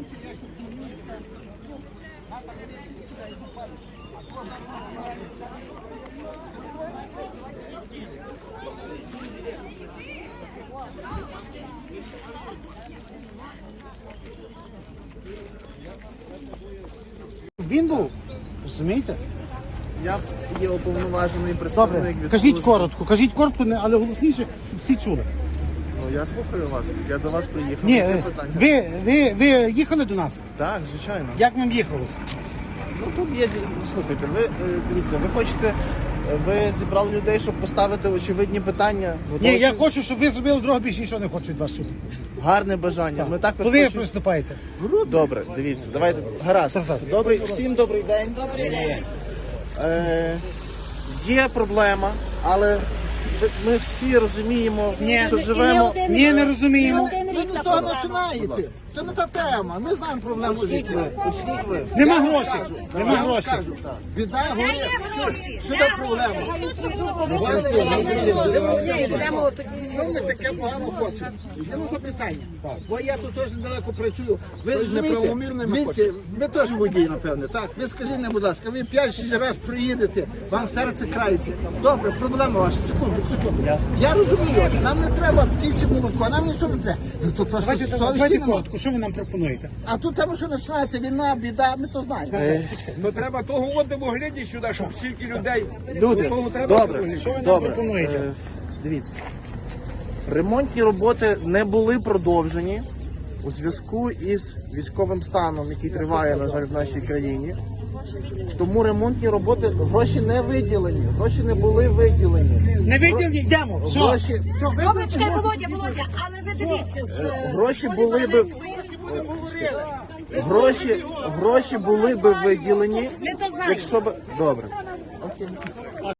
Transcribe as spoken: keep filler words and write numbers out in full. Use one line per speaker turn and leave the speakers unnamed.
Він був, розумієте?
Я є уповноважений представник
Добре,
від
кажіть
служби.
коротко, кажіть коротко, не- але голосніше, щоб всі чули.
Ну, я слухаю вас, я до вас приїхав.
Ні,
Які
ви,
питання?
ви, ви, ви їхали до нас?
Так, звичайно.
Як вам їхалося?
Ну тут є, слухайте, ви, е, дивіться, ви хочете, е, ви зібрали людей, щоб поставити очевидні питання.
Ні, я
Готові?
хочу, щоб ви зробили дорогу, більше нічого не хочу від вас чути.
Гарне бажання. Ми також
Коли ви
хочемо-
приступаєте?
Добре, дивіться, давайте. Гаразд.
Тарас.
Добрий, всім добрий день. Добрий день. Е, є проблема, але ви- ми всі розуміємо, що живемо.
Ні, не розуміємо.
Ви не з того починаєте. Це не та тема. Ми знаємо проблему життя.
Нема грошей, нема грошей.
Біда горить. Що це проблема? Що ми таке погано хочемо? Йдемо запитання. Бо я тут теж недалеко працюю. Ви розумієте, дивіться, ви теж водій, напевне, так? Ви скажіть мені, будь ласка, ви п'ять-шість разів приїдете, вам серце крається. Добре, проблема ваша. Секунду, секунду. Я розумію, нам не треба птіче молоко, нам нічого не треба. Ну то просто
Давайте,
совісті
давайте
немає.
коротко, що ви нам пропонуєте?
А тут там що починаєте, війна, біда, ми то знаємо.
Ну треба того одного глядіть сюди, щоб стільки людей.
Люди,
Того треба
добре,
Що ви нам
добре.
пропонуєте?
Е, Дивіться, ремонтні роботи не були продовжені у зв'язку із військовим станом, який триває, на жаль, в нашій країні. Тому ремонтні роботи, гроші не виділені, гроші не були виділені.
Не виділені, йдемо. Все.
Гроші,
Добре, чекай, Володя, Володя, але ви дивіться, з,
гроші
з
були би
Волинської-
гроші, гроші були би виділені,
Ми то знаємо.
якщо б добре. Окей.